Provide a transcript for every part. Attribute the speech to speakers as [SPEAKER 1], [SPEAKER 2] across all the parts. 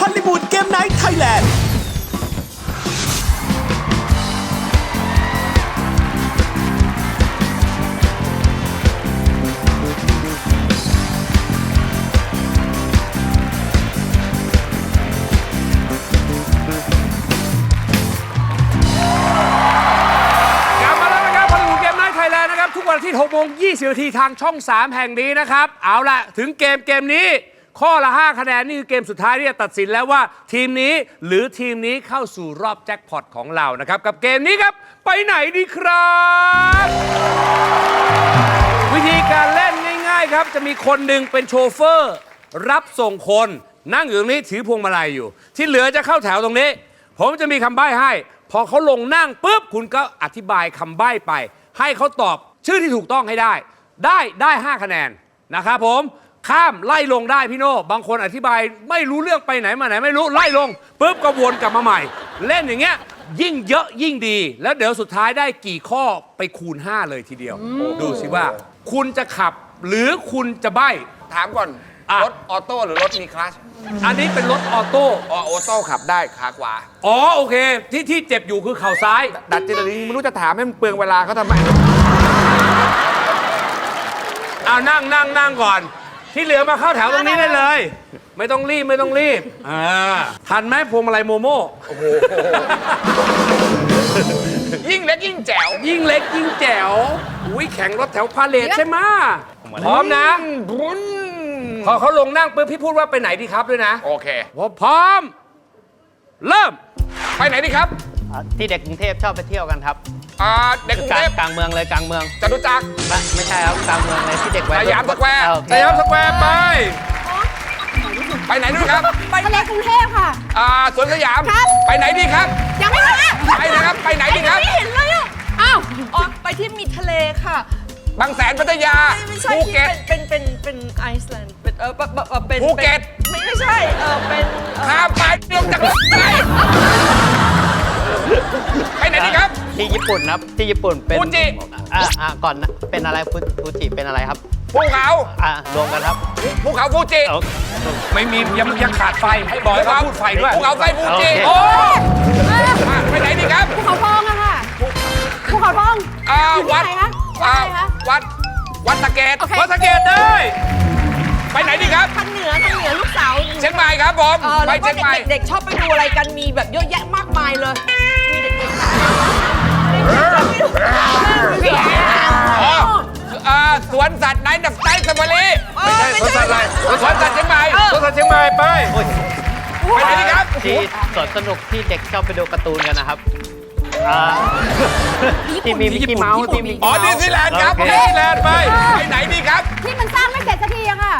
[SPEAKER 1] ลลีวูดเกมไนท์ไทยแลนด์
[SPEAKER 2] ทุกวันอาทิตย์ 6:20 น.ทางช่อง 3 แห่งนี้นะครับเอาล่ะถึงเกมนี้ข้อละ 5 คะแนนนี่คือเกมสุดท้ายที่จะตัดสินแล้วว่าทีมนี้หรือทีมนี้เข้าสู่รอบแจ็คพอตของเรานะครับกับเกมนี้ครับไปไหนดีครับวิธีการเล่นง่ายๆครับจะมีคนหนึ่งเป็นโชเฟอร์รับส่งคนนั่งอยู่ตรงนี้ถือพวงมาลัยอยู่ที่เหลือจะเข้าแถวตรงนี้ผมจะมีคำใบ้ให้พอเขาลงนั่งปุ๊บคุณก็อธิบายคำใบ้ไปให้เขาตอบชื่อที่ถูกต้องให้ได้5 คะแนนนะครับผมข้ามไล่ลงได้พี่โน่บางคนอธิบายไม่รู้เรื่องไปไหนมาไหนไม่รู้ไล่ลงปุ๊บก็วนกลับมาใหม่เล่นอย่างเงี้ยยิ่งเยอะยิ่งดีแล้วเดี๋ยวสุดท้ายได้กี่ข้อไปคูณ5เลยทีเดียวดูสิว่าคุณจะขับหรือคุณจะใบ้
[SPEAKER 3] ถามก่อนรถออโต้หรือรถมีคลัตช์
[SPEAKER 2] อันนี้เป็นรถออโต้
[SPEAKER 3] ออโต้ขับได้ขาขวา
[SPEAKER 2] อ๋อโอเคที่เจ็บอยู่คือเข่าซ้าย
[SPEAKER 3] ดัดจิตนี้ไม่รู้จะถามให้มันเปลืองเวลาเขาทำไม
[SPEAKER 2] เอานั่งก่อนที่เหลือมาเข้าแถวตรงนี้ได้เลยไม่ต้องรีบทันไหมพวงมาลัยโมโม่โอ้โห
[SPEAKER 3] ยิ่งเล็กยิ่งแจ๋ว
[SPEAKER 2] ยิ่งเล็กยิ่งแจ๋วอุ้ยแข่งรถแถวพาเลทใช่ไหมพร้อมนะพอเขาลงนั่งปุ๊บพี่พูดว่าไปไหนดีครับด้วยนะ
[SPEAKER 3] โอเค
[SPEAKER 2] พร้อมเริ่ม
[SPEAKER 3] ไปไหนดีครับ
[SPEAKER 4] ที่เด็กกรุงเทพชอบไปเที่ยวกันครับ
[SPEAKER 3] เด็กกรุงเทพ
[SPEAKER 4] กลางเมืองเลยกลางเมือง
[SPEAKER 3] จตุจักร
[SPEAKER 4] ไม่ใช่ครับกลางเมืองเลยที่เด็กไว้
[SPEAKER 3] สยามสแควร์ไปไหนด้วยครับ
[SPEAKER 5] ไปทะเลกรุงเทพค่ะ
[SPEAKER 3] สวนสยามไปไหนดีครับ
[SPEAKER 5] ยังไม่มา
[SPEAKER 3] ไปนะครับไปไหนดีครับ
[SPEAKER 5] ไม่เห็นเลยอ่ะอ้าวไปที่มีทะเลค่ะ
[SPEAKER 3] บางแสนพัทยาภูเก็ต
[SPEAKER 5] เป็นไอซ์แลนด์เป็น
[SPEAKER 3] ภูเก็ต
[SPEAKER 5] ไม่ใช่เป็น
[SPEAKER 3] ข้ามไปลงจากรถไปไหนดีครับ
[SPEAKER 4] ที่ญี่ปุ่นครับที่ญี่ปุ่นเป็น
[SPEAKER 3] ฟูจิ
[SPEAKER 4] ก่อนเป็นอะไรฟูจิเป็นอะไรครับ
[SPEAKER 3] ภูเขา
[SPEAKER 4] รวมกันครับ
[SPEAKER 3] ภูเขาฟูจิ
[SPEAKER 2] ไม่มียังขาดไฟให้บอยเขาพูดไฟด้วย
[SPEAKER 3] ภูเขาไฟฟูจิโอ้ไปไหนดีครับ
[SPEAKER 5] ภูเขาทองอะค่ะภูเขาทอง
[SPEAKER 3] วัดวัดสะเกด
[SPEAKER 2] วัดสะเกดได้
[SPEAKER 3] ไปไหนดีครับ
[SPEAKER 5] ทางเหนือลูกสาว
[SPEAKER 3] เชียงใหม่ครับผมไปเชียงใหม่
[SPEAKER 5] เด็กชอบไปดูอะไรกันมีแบบเยอะแยะมากมายเลยมีเด็ก
[SPEAKER 3] สวนสัตว์ไหนดับไซส์สมารี
[SPEAKER 2] ไม่ใช่สวนสัตว์อะไร
[SPEAKER 3] สวนสัตว์เชียงใหม่
[SPEAKER 2] สวนสัตว์เชียงใหม่ไป
[SPEAKER 3] ไหนดีครับ
[SPEAKER 4] ที่สวนสนุกที่เด็กชอบไปดูการ์ตูนกันนะครับที่มีมิกกี้เมาส์ที่มี
[SPEAKER 3] ดิสนีย์แลนด์ครับดิสนีย์แลนด์ไปไหนดีครับ
[SPEAKER 5] ที่มันสร้างไม่เสร็จสักทีอะค่ะ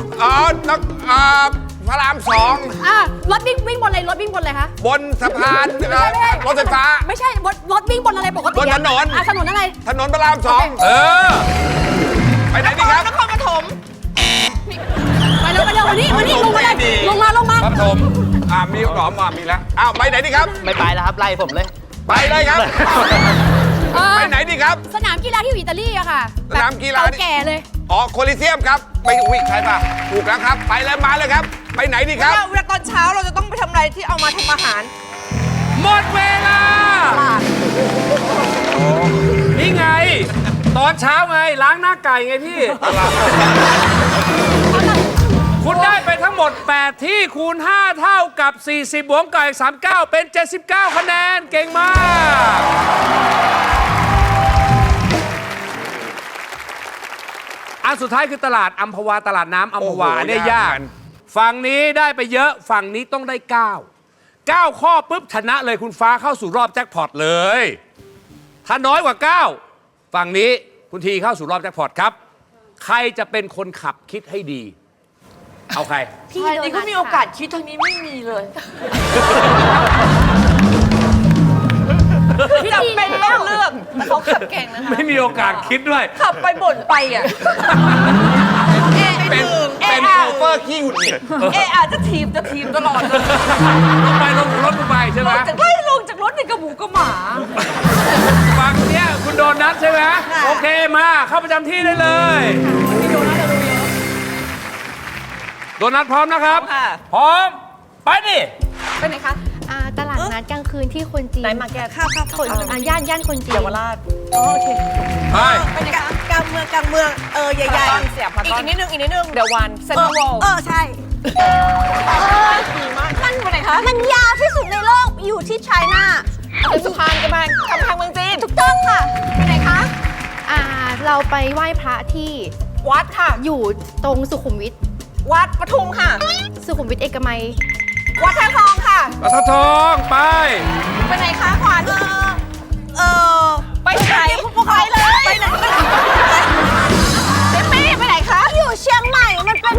[SPEAKER 3] พระราม2
[SPEAKER 5] รถวิ่งบนอะไรรถวิ่งบนอะไรคะ
[SPEAKER 3] บนสะพานรถไฟฟ้า
[SPEAKER 5] ไม่ใช่รถวิ่งบนอะไรปกติ
[SPEAKER 3] บนถนน
[SPEAKER 5] ถนนอะไร
[SPEAKER 3] ถนนพระราม2ไปไหนดีครับ
[SPEAKER 5] นครปฐมไปเร็ววันนี้ลงมาเลยลงมา
[SPEAKER 3] ปฐมมีหลอมมีแล้วไปไหนดีครับ
[SPEAKER 4] ไม่ไปแล้วครับไล่ผมเลย
[SPEAKER 3] ไปเลยครับไปไหนดีครับ
[SPEAKER 5] สนามกีฬาที่อิตาลีอะค่ะ
[SPEAKER 3] สนามกีฬา
[SPEAKER 5] แก่เลย
[SPEAKER 3] โคลิเซียมครับไปใครป่ะถูกแล้วครับไปเลยมาเลยครับไปไหนดีครับ
[SPEAKER 5] เวลาตอนเช้าเราจะต้องไปทำอะไรที่เอามาทำอาหาร
[SPEAKER 2] หมดเวลานี่ไงตอนเช้าไงล้างหน้าไก่ไงพี่คุณได้ไปทั้งหมด8ที่คูณ5เท่ากับ40บวกกับ39เป็น79คะแนนเก่งมากอันสุดท้ายคือตลาดอัมพวาตลาดน้ำอัมพวาอันนี้ยากฝั่งนี้ได้ไปเยอะฝั่งนี้ต้องได้9ข้อปุ๊บชนะเลยคุณฟ้าเข้าสู่รอบแจ็คพอตเลยถ้าน้อยกว่า9ฝั่งนี้คุณทีเข้าสู่รอบแจ็คพอตครับใครจะเป็นคนขับคิดให้ดีเอาใคร
[SPEAKER 5] พี่นี่ก็มีโอกาสคิดทางนี้ไม่มีเลยพี่จำเป็นต้องเลือกเขาขับเก่งนะคะ
[SPEAKER 2] ไม่มีโอกาสคิดด้วย
[SPEAKER 5] ขับไปบ่นไปอ่ะ
[SPEAKER 3] เป็นโชเฟอร์ขี้หงุดหงิด
[SPEAKER 5] อาจจะทีมตลอดเลย
[SPEAKER 2] ลงรถไปใช่ไหม
[SPEAKER 5] ลงจากรถในกระหมูกระหมา
[SPEAKER 2] ฝั่งเนี้ยคุณโดนัทใช่ไหมโอเคมาเข้าประจำที่ได้เลยโดนัทพร้อมนะครับพร้อมไปดิ
[SPEAKER 5] ไปไหนคะ
[SPEAKER 6] ตลาดนัดกลางคืนที่คนจีน
[SPEAKER 5] ไหนมาแกะ
[SPEAKER 6] ค่ะคนย่านคนจีน
[SPEAKER 5] เยาวราช
[SPEAKER 6] อ๋อโอเค
[SPEAKER 2] ไป
[SPEAKER 5] ไปไหนคะ
[SPEAKER 7] กลางเมืองใหญ่
[SPEAKER 5] พารากอนเสียพารากอนอีกนิดนึงเดี๋ยววันเซ็นทรัลเวิลด์
[SPEAKER 7] ใช่
[SPEAKER 5] มันไปไหนคะ
[SPEAKER 7] มันยาวที่สุดในโลกอยู่ที่ไชน่า
[SPEAKER 5] เป็นสุพรรณกำแพงเมืองจีน
[SPEAKER 7] ถูกต้องค่ะ
[SPEAKER 5] ไปไหนคะ
[SPEAKER 6] เราไปไหว้พระที่
[SPEAKER 5] วัดค่ะ
[SPEAKER 6] อยู่ตรงสุขุมวิท
[SPEAKER 5] วัดปทุมค่ะ
[SPEAKER 6] สุขุมวิทเอกมัย
[SPEAKER 5] วัดท่าทองค่ะ
[SPEAKER 2] ปตทองไป
[SPEAKER 5] ไปไหนคะขวัญไปไหน
[SPEAKER 7] ไปเลย
[SPEAKER 5] ไปไหนเจมมี่ไปไหนคะ
[SPEAKER 7] อยู่เชียงใหม่มันเป็น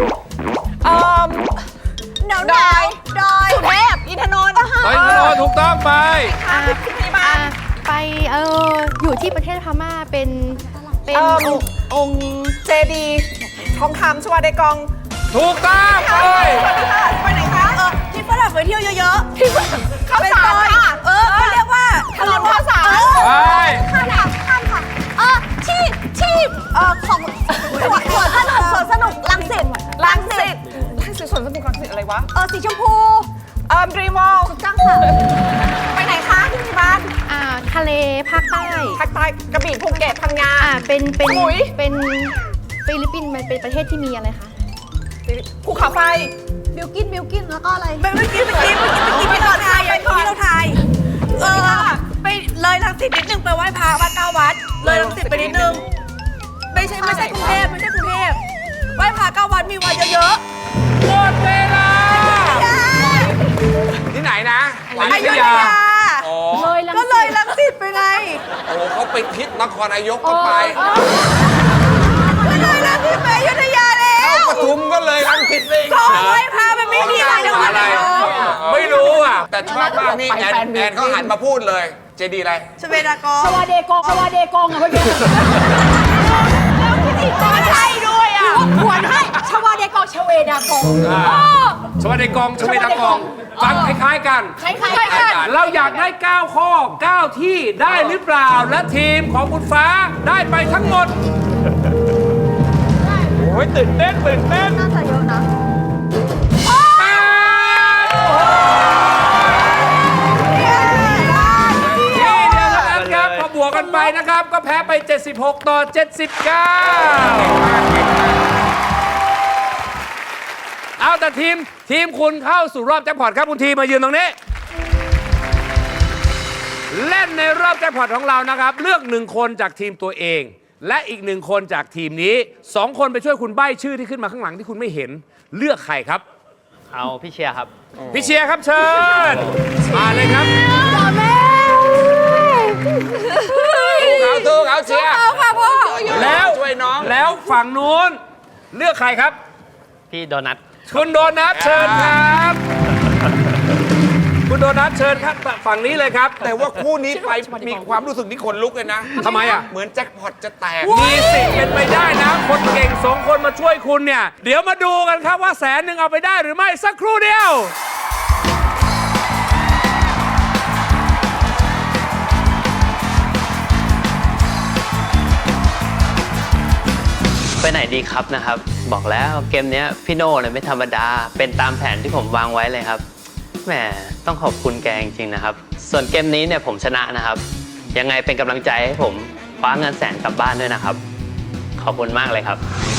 [SPEAKER 7] หนาว
[SPEAKER 5] ดอย
[SPEAKER 7] ดอย
[SPEAKER 5] สุเทพอินทนนท์
[SPEAKER 2] ไปถนนถูกต้องไป
[SPEAKER 5] ค่ะพิธีบาล
[SPEAKER 6] ไปอยู่ที่ประเทศพม่าเป็นองค์
[SPEAKER 5] เจดีทองคำชวาเดกอง
[SPEAKER 2] ถูกต้องไป
[SPEAKER 5] ไปไหนคะ
[SPEAKER 7] ที่ฝรั่งไปเที่ยวเยอะ
[SPEAKER 5] ที่ข้าวสารค่ะ
[SPEAKER 7] เขาเรียกว่า
[SPEAKER 5] ถนนข้าวสาร
[SPEAKER 2] ไป
[SPEAKER 7] ข้ามค่ะที่ของสวนสนุกรังสิต
[SPEAKER 5] ลังสิตสวนสนุกลังสิตอะไรวะ
[SPEAKER 7] สีชมพู
[SPEAKER 5] ดรีมวอล
[SPEAKER 7] ถูกต้องค่ะ
[SPEAKER 5] ไปไหนคะพิธีบาล
[SPEAKER 6] ทะเลภาคใต้
[SPEAKER 5] ภาคใต้กระบี่ภูเก็ตพังงา
[SPEAKER 6] เป็น
[SPEAKER 5] สมุย
[SPEAKER 6] ฟิลิปปินส์มันเป็นประเทศที่มีอะไรคะ
[SPEAKER 5] ภูเขาไฟ
[SPEAKER 7] บิลกินแล้วก็อะไรเมื่อกี้ที่เราทายไปเลยรังสิตนิดนึงไปไหว้พระวัด9 วัดเลยรังสิตไปนิดนึงไม่ใช่กรุงเทพไหว้พระ9 วัดมีวัดเยอะ
[SPEAKER 2] หมดเวลา
[SPEAKER 3] ที่ไหนนะ
[SPEAKER 2] อยุธยา
[SPEAKER 3] อ๋อ
[SPEAKER 7] ก็เลยรังสิตไปไง
[SPEAKER 3] โอ้เขาไปทิศนครนายกก็ไป
[SPEAKER 7] ก็เลยรังสิตไปอยุธยาแล้ว
[SPEAKER 3] ปทุมก็เลยรังสิตเอง
[SPEAKER 7] ก็ไหว้พระมันไม่มีอะไรทั้ง
[SPEAKER 2] อะ
[SPEAKER 7] นั้น
[SPEAKER 2] ไร
[SPEAKER 7] เลย
[SPEAKER 2] ไม่รู้อ่ะ
[SPEAKER 3] แต่ชอบมากนี่แอนเขาหันมาพูดเลย เจดีอะไร
[SPEAKER 7] ชเวดากอง
[SPEAKER 5] ชวาเดกองอะเมื่อกี้ใช่ด้วยอ่ะขวนให้ชวาเดกองชเวดากอง
[SPEAKER 2] ชวาเดกองชเวดากอง ฟังคล้ายๆกัน
[SPEAKER 5] คล้ายๆกัน
[SPEAKER 2] เราอยากได้ 9 ข้อ 9 ที่ได้หรือเปล่า และทีมของคุณฟ้าได้ไปทั้งหมด โอ้ยตื่นเต้น
[SPEAKER 7] น่าจะเยอะนะ
[SPEAKER 2] แปดที่เดียวเท่านั้นครับพอบวกกันไปนะครับ ก็แพ้ไป 76 ต่อ 79 เอาแต่ทีมคุณเข้าสู่รอบแจ็คพอตครับคุณทีมมายืนตรงนี้ เล่นในรอบแจ็คพอตของเรานะครับ เลือก1 คนจากทีมตัวเอง และอีก1 คนจากทีมนี้2 คนไปช่วยคุณใบ้ชื่อที่ขึ้นมาข้างหลังที่คุณไม่เห็นเลือกใครครับ
[SPEAKER 4] เอาพี่เชียร์ครับ
[SPEAKER 2] พี่เชียร์ครับเชิญมาเลยครับ
[SPEAKER 3] สู้เขาเชียร์
[SPEAKER 2] แล้ว
[SPEAKER 3] ช่วยน้อง
[SPEAKER 2] แล้วฝั่งนู้นเลือกใครครับ
[SPEAKER 4] พี่โดนัท
[SPEAKER 2] คุณโดนัทเชิญครับ คุณโดนัทเชิญครับฝั่งนี้เลยครับ
[SPEAKER 3] แต่ว่าคู่นี้ไปมีความรู้สึกที่ขนลุกเลยนะ
[SPEAKER 2] ทำไมอ่ะ
[SPEAKER 3] เหมือนแจ็คพอตจะแตก
[SPEAKER 2] มีสิทธิ์เป็นไปได้นะ คนเก่ง2 คนมาช่วยคุณเนี่ย เดี๋ยวมาดูกันครับว่า100,000เอาไปได้หรือไม่สักครู่เดียว
[SPEAKER 4] ไปไหนดีครับนะครับ บอกแล้วเกมเนี้ยพี่โน่เนี่ยไม่ธรรมดา เป็นตามแผนที่ผมวางไว้เลยครับ แหมต้องขอบคุณแกจริงๆนะครับ ส่วนเกมนี้เนี่ยผมชนะนะครับ ยังไงเป็นกำลังใจให้ผมคว้าเงิน100,000กลับบ้านด้วยนะครับ ขอบคุณมากเลยครับ